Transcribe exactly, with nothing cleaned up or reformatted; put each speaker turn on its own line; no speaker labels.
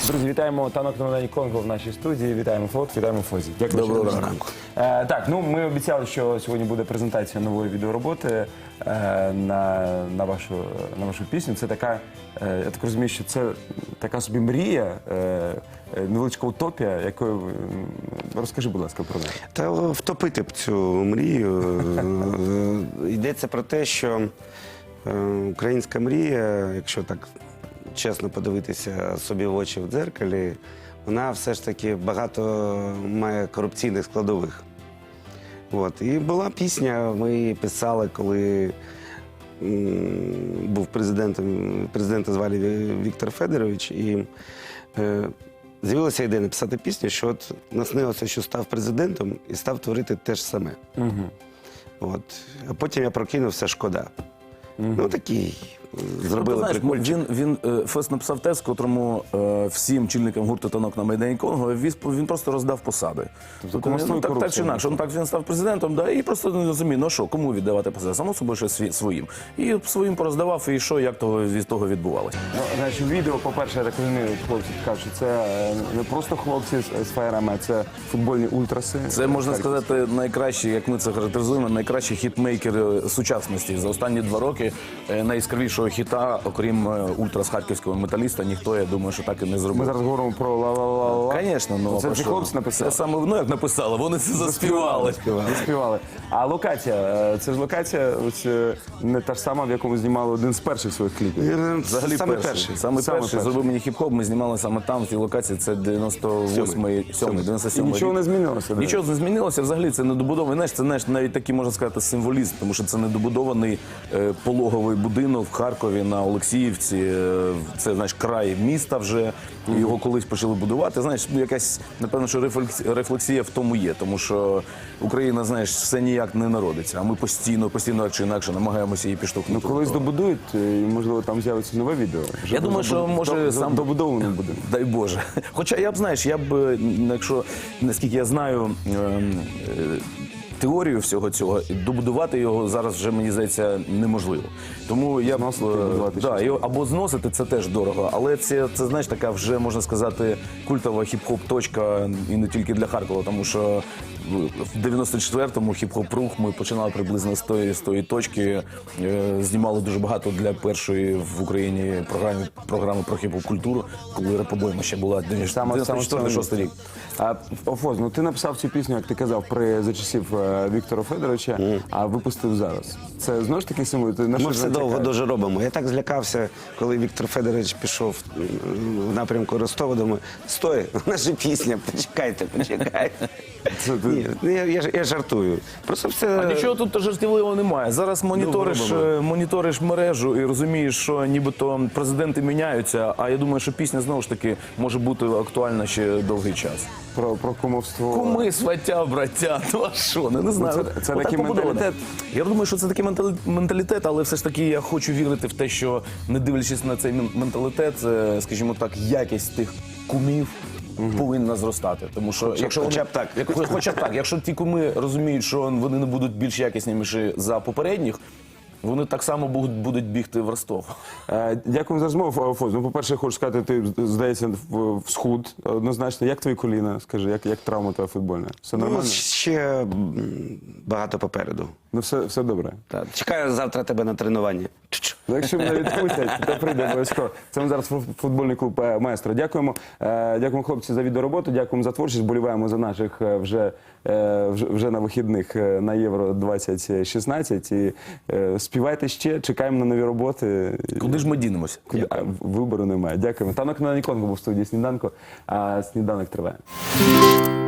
Друзі, вітаємо танок на Майдані Конго в нашій студії. Вітаємо Флот, вітаємо Фозі. Дякую.
Доброго ранку.
Е, так, ну ми обіцяли, що сьогодні буде презентація нової відеороботи е, на, на, вашу, на вашу пісню. Це така, е, я так розумію, що це така собі мрія, е, невеличка утопія, якою ви... Розкажи, будь ласка, про неї.
Та втопити б цю мрію. Йдеться про те, що українська мрія, якщо так чесно подивитися собі в очі в дзеркалі, вона все ж таки багато має корупційних складових. От. І була пісня, ми її писали, коли був президентом, президента звали Віктор Федорович, і е, з'явилася ідея написати пісню, що от наснилося, що став президентом і став творити те ж саме.
Угу.
От. А потім я прокинувся, шкода. Угу. Ну такий. Зробили
ну, знаєш, він, він Фест написав текст, котрому е, всім чільникам гурту «Танок на Майдані Конго» він, він просто роздав посади. Тобто, ну, так, так чи інакше, ну, так він став президентом, да, і просто не розумів, ну що, кому віддавати посади? Само собою, що сві, своїм. І своїм пороздавав, і що, як того, від того відбувалося.
Ну, значить, відео, по-перше, я так розумію, хлопці кажуть, що це не просто хлопці з, з фаєрами, а це футбольні ультраси.
Це, можна сказати, найкращі, як ми це характеризуємо, найкращі хітмейкери сучасності. За останні два роки найяскравішого хіта, окрім ультрас харківського металіста, ніхто, я думаю, що так і не зробив.
Ми зараз говоримо про ла-ла-ла-ла.
Звісно, ну,
це ці хлопці написали?
Це саме, ну як написали, вони це заспівали.
Заспівали. А локація, це ж локація ось, не та ж сама, в якому знімали один з перших своїх кліпів.
Взагалі
саме
перший.
перший.
Саме,
Саме
перший.
перший.
Зробив мені хіп-хоп, ми знімали саме там, в цій локації, це дев'яносто восьмий, сьомий, дев'яносто сьомий
І нічого
рік.
не змінилося?
Нічого не змінилося, взагалі це недобудований, знаєш, це знаєш, навіть такий, можна сказати, символізм, тому що це недобудований е, пологовий будинок в Харкові на Олексіївці, е, це, знаєш, край міста вже, і його колись почали будувати, знаєш, ну, якась, напевно, що рефлексія, рефлексія в тому є, тому що Україна, знаєш, все ніяк не народиться, а ми постійно, постійно, так чи інакше, намагаємося її підштовхнути.
Ну, колись добудують, і, можливо, там з'явиться нове відео.
Я думаю, що може сам
добудований буде.
Дай Боже. Хоча я б, знаєш, я б, якщо, наскільки я знаю, е, е, теорію всього цього, добудувати його зараз вже, мені здається, неможливо. Тому я б,
Зносити,
да, його, або зносити, це теж дорого, але це, це, знаєш, така вже, можна сказати, культова хіп-хоп точка, і не тільки для Харкова, тому що в дев'яносто четвертому хіп-хоп-рух ми починали приблизно з тої, з тої точки, е, знімали дуже багато для першої в Україні програми, програми про хіп-хоп культуру, коли репобойма ще була дев'яносто четвертий шостий рік.
А, Офоз, ну ти написав цю пісню, як ти казав, при за часів е, Віктора Федоровича, mm. а випустив зараз. Це знову ж таки символ? Ти на
Ми
що
все довго дуже робимо. Я так злякався, коли Віктор Федорович пішов в напрямку Ростова, думаю, стой, наша пісня, почекайте, почекайте.
Це, ти...
Ні, я, я, я жартую. Просто все...
А нічого тут жартівливого немає. Зараз моніториш, моніториш мережу і розумієш, що нібито президенти міняються, а я думаю, що пісня знову ж таки може бути актуальна ще довгий час.
Про, про кумовство.
Куми, сваття, браття, ну а що, не, не знаю.
Ну, це це такий
побудовано.
менталітет.
Я думаю, що це такий менталі- менталітет, але все ж таки я хочу вірити в те, що не дивлячись на цей менталітет, скажімо так, якість тих кумів повинна зростати. Тому що,
Хоча,
якщо
хоча
вони,
б так.
як, хоча б так, якщо ті куми розуміють, що вони не будуть більш якісніші за попередніх, вони так само будуть, будуть бігти в Ростов.
Е, Дякую за розмову, Фоз. Ну, по-перше, хочу сказати, ти, здається, в, в схуд однозначно. Як твої коліна? Скажи, як, як травма твоя футбольна? Все нормально?
Ну, ще багато попереду.
Ну, все, все добре.
Так. Чекаю завтра тебе на тренування.
Ну, якщо мене відпустять, то прийде обов'язково. Це ми зараз футбольний клуб е, «Маестро». Дякуємо. Е, Дякуємо, хлопці, за відеороботу. Дякуємо за творчість. Боліваємо за наших е, вже, е, вже, вже на вихідних е, на Євро двадцять шістнадцять. І е, співайте ще, чекаємо на нові роботи.
Куди ж ми дінемося?
Куди? А, вибору немає. Дякуємо. Танок на Майдані Конго був в студії «Сніданку», а «Сніданок» триває.